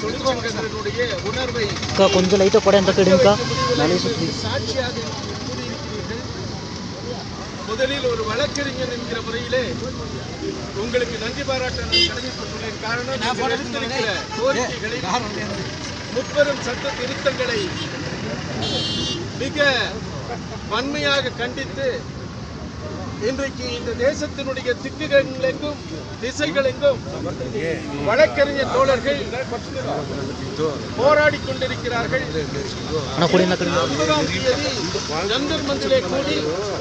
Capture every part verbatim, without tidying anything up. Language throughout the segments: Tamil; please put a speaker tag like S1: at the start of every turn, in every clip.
S1: தொழிற்சங்கங்களுடைய உணர்வை
S2: கொஞ்சம் லைட்டா கூட எந்த கடுங்கா
S1: சாட்சியாக கூறியிருக்கிறீர்கள். முதலில் ஒரு வழக்கறிஞர் என்கிற முறையிலே உங்களுக்கு நன்றி பாராட்ட நான் கடமைப்பட்டுள்ளேன். காரணம் நீங்கள் எடுத்திருக்கிற கோரிக்கைகளை முப்பெரும் சட்ட திருத்தங்களை மிக வன்மையாக கண்டித்து இன்றைக்கு இந்த தேசத்தினுடைய திக்குகளெங்கும் திசைகளெங்கும் வழக்கறிஞர் தோழர்கள் போராடி கொண்டிருக்கிறார்கள். ஒன்பதாம் தேதி ஜந்தர் மந்திலே கூடி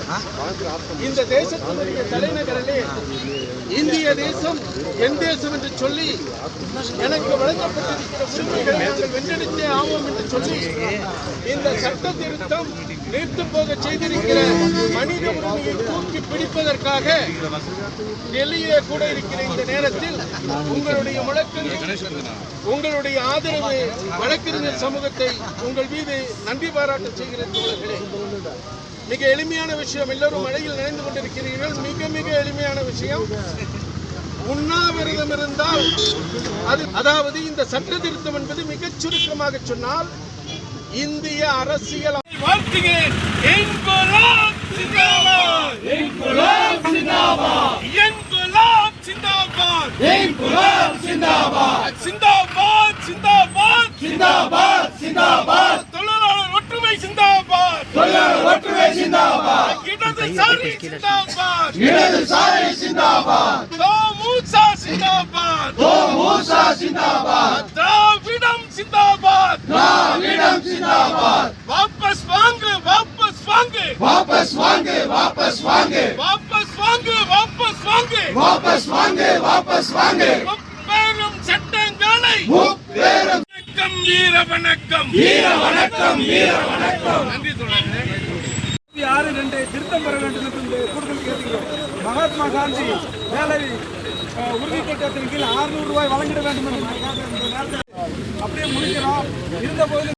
S1: இந்த தேசத்தினுடைய தலைநகரிலே இந்திய தேசம் என் தேசம் என்று சொல்லி எனக்கு வழங்கப்பட்டிருக்கிற உரிமைகளை நாங்கள் வென்றெடுத்தே ஆவோம் என்று சொல்லி இந்த சட்ட திருத்தம் நீர்த்து போக செய்திருக்கிற மனித உரிமையை தூக்கி பிடிப்பதற்காக டெல்லியிலே கூட இருக்கிற இந்த நேரத்தில் உங்களுடைய முழக்கங்கள் உங்களுடைய ஆதரவு வழக்கறிஞர் சமூகத்தை உங்கள் மீது நன்றி பாராட்ட செய்கிற தோழர்களே, மிக எளிமையான விஷயம். எல்லோரும் மழையில் நனைந்து கொண்டிருக்கிறீர்கள். மிக மிக எளிமையான விஷயம். உண்ணாவிரதம் இருந்தால் அது அதாவது இந்த சட்ட திருத்தம் என்பது மிகச் சுருக்கமாக சொன்னால் இந்திய அரசியல் வாழ்த்துகிறேன். இன்குலாப் சிந்தாபாத், இன்குலாப் சிந்தாபாத், இன்குலாப் சிந்தாபாத், இன்குலாப் சிந்தாபாத், சிந்தாபாத் சிந்தாபாத் சிந்தாபாத் சிந்தாபாத், தொழிலாளர் ஒற்றுமை சிந்தாபாத், தொழிலாளர் ஒற்றுமை சிந்தாபாத், இடதுசாரி சிந்தாபாத், இடதுசாரி சிந்தாபாத், தோமுசா சிந்தாபாத், தோமுசா சிந்தாபாத், திராவிடம் சிந்தாபாத், திராவிடம் சிந்தாபாத், வாபஸ் வாங்கு வாபஸ் வாங்கு வாபஸ் வாங்கு வாபஸ் வாங்கு வாபஸ் வாங்கு வாபஸ் வாங்கு வாபஸ் வாங்கு வாபஸ் வாங்கு முப்பெரும் சட்டங்களை முப்பெரும் வணக்கம் வீர வணக்கம் வீர வணக்கம் வீர வணக்கம். நன்றி தோழர்களே.
S3: ஆறு ரெண்டு திருத்தம் பெற வேண்டும் என்று கூடுதல் கேட்கிறோம். மகாத்மா காந்தி வேலை உறுதி திட்டத்தின் கீழ் அறுநூறு ரூபாய் வழங்கிட வேண்டும் என்று அப்படியே முடிக்கிறோம். இருந்த போது